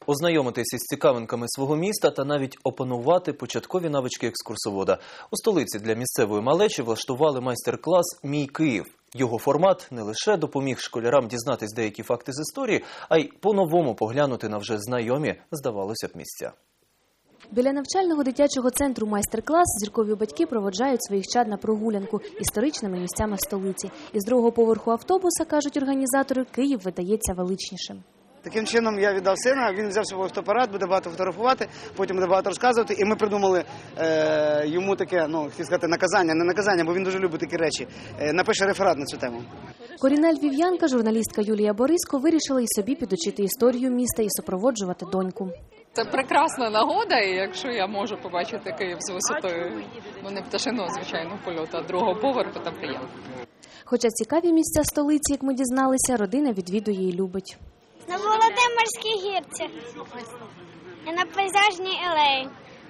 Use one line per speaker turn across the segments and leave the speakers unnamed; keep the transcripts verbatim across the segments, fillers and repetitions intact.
Ознайомитись із цікавинками свого міста та навіть опанувати початкові навички екскурсовода. У столиці для місцевої малечі влаштували майстер-клас «Мій Київ». Його формат не лише допоміг школярам дізнатись деякі факти з історії, а й по-новому поглянути на вже знайомі, здавалося б, місця.
Біля навчального дитячого центру майстер-клас зіркові батьки проводжають своїх чад на прогулянку історичними місцями столиці. Із другого поверху автобуса, кажуть організатори, Київ видається величнішим.
Таким чином я віддав сина, він взяв свій фотоапарат, буде багато фотографувати, потім буде багато розказувати. І ми придумали е, йому таке, ну, хотів сказати, наказання, не наказання, бо він дуже любить такі речі. Е, напише реферат на цю тему.
Корінна львів'янка, журналістка Юлія Бориско, вирішила і собі підучити історію міста і супроводжувати доньку.
Це прекрасна нагода, і якщо я можу побачити Київ з висотою, ну не пташиного, звичайно, польоту, а другого поверху, то приємно.
Хоча цікаві місця столиці, як ми дізналися, родина відвідує і любить.
На Володимирській гірці і на пейзажній алеї.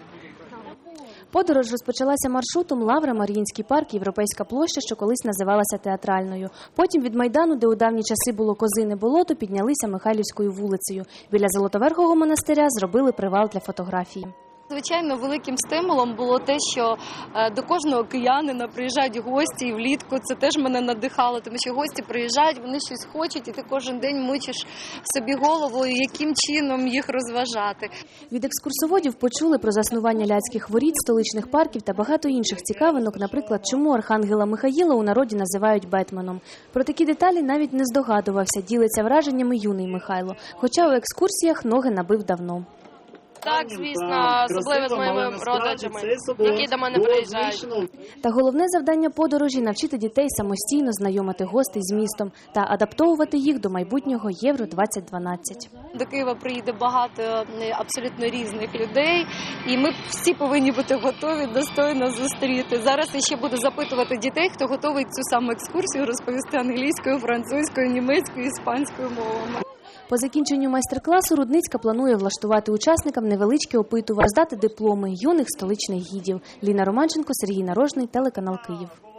Подорож розпочалася маршрутом Лавра, Маріїнський парк, Європейська площа, що колись називалася Театральною. Потім від Майдану, де у давні часи було Козине болото, піднялися Михайлівською вулицею. Біля Золотоверхого монастиря зробили привал для фотографії.
Звичайно, великим стимулом було те, що до кожного киянина приїжджають гості, і влітку це теж мене надихало, тому що гості приїжджають, вони щось хочуть, і ти кожен день мучиш собі голову, яким чином їх розважати.
Від екскурсоводів почули про заснування Ляцьких воріт, столичних парків та багато інших цікавинок, наприклад, чому архангела Михаїла у народі називають Бетменом. Про такі деталі навіть не здогадувався, ділиться враженнями юний Михайло, хоча у екскурсіях ноги набив давно.
Так, звісно, особливо з моїми родичами, які до мене приїжджають.
Та головне завдання подорожі – навчити дітей самостійно знайомити гостей з містом та адаптовувати їх до майбутнього Євро двадцять дванадцять.
До Києва приїде багато абсолютно різних людей, і ми всі повинні бути готові достойно зустріти. Зараз я ще буду запитувати дітей, хто готовий цю саму екскурсію розповісти англійською, французькою, німецькою, іспанською мовами.
По закінченню майстер-класу Рудницька планує влаштувати учасникам невеличке опитування, роздати дипломи юних столичних гідів. Ліна Романченко, Сергій Нарожний, телеканал Київ.